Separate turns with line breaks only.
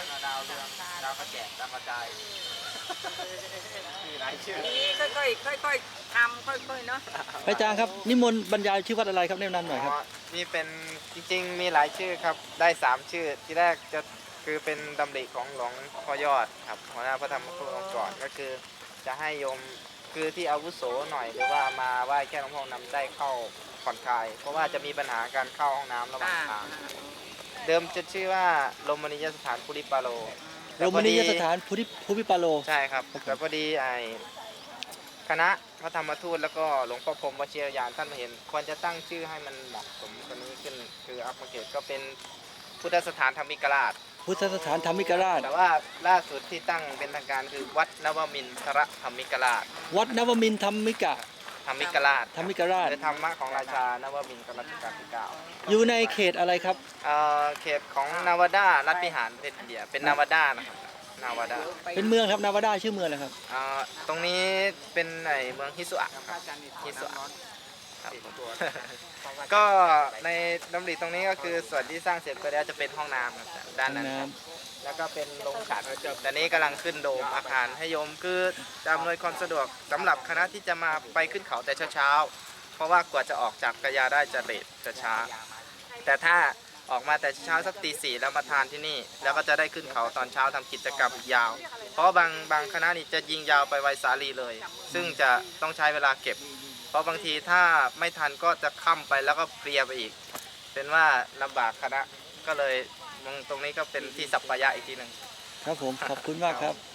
ดาวเรืองดาวกระแจกดาวกระจายมีหลายชื่อ
นี่ค่อยๆทำค่อยๆเนาะ
พระอาจารย์ครับนิมนต์บรรยายชื่อวัดอะไรครับแนะนำหน่อยครับ
นี่เป็นจริงๆมีหลายชื่อครับได้3ชื่อที่แรกจะคือเป็นดำริของหลวงพ่อยอดครับหัวหน้าพระธรรมครูองค์ก่อนก็คือจะให้โยมคือที่อาวุโสหน่อยหรือว่ามาไหว้แค่หลวงพ่อนำได้เข้าผ่อนคลายเพราะว่าจะมีปัญหาการเข้าห้องน้ำระหว่างทางเดิมจะชื่อว่าลมณียสถานปุริปาโล
โรมณียสถานภูมิปาโล
ใช่ครับแต่พอดีคณะพระธรรมทูตแล้วก็หลวงพ่อพรหมวชิรยานท่านมาเห็นควรจะตั้งชื่อให้มันเหมาะสมตัวนี้ขึ้นคืออัปเกรดก็เป็นพุทธสถานธรรมิกราช
พุทธสถานธรรมิกราช
แต่ว่าล่าสุดที่ตั้งเป็นทางการคือวัดนวมินทรธรรมิกราช
วัดนวมินทร์ธรรมิกราช
คือธรรมะของราชานวมินทร์รัชกาลที่9
อยู่ในเขตอะไรครับ
เขตของนาวาดารัฐพิหารประเทศอินเดียเป็นนาวาดานะครับนาวาดา
เป็นเมืองครับนาวาดาชื่อเมืองอะไรครับ
ตรงนี้เป็นเมืองฮิสุอะฮิสุอะก็ในดำริตรงนี้ก็คือส่วนที่สร้างเสร็จไปแล้วจะเป็นห้องน้ำด้านนั้นแล้วก็เป็นโรงฉันแต่นี้กำลังขึ้นโดมอาคารให้โยมคืออำนวยความสะดวกสำหรับคณะที่จะมาไปขึ้นเขาแต่เช้าเพราะว่ากว่าจะออกจากกระยาได้จะเลทจะช้าแต่ถ้าออกมาแต่เช้าสักตี 4แล้วมาทานที่นี่แล้วก็จะได้ขึ้นเขาตอนเช้าทำกิจกรรมยาวเพราะบางคณะนี่จะยิงยาวไปไวสาลีเลยซึ่งจะต้องใช้เวลาเก็บเพราะบางทีถ้าไม่ทันก็จะค่ำไปแล้วก็เพลียไปอีกเป็นว่าลำบากคณะก็เลยตรงนี้ก็เป็นที่สัปปายะอีกทีหนึ่ง
ครับผมขอบคุณมากครับ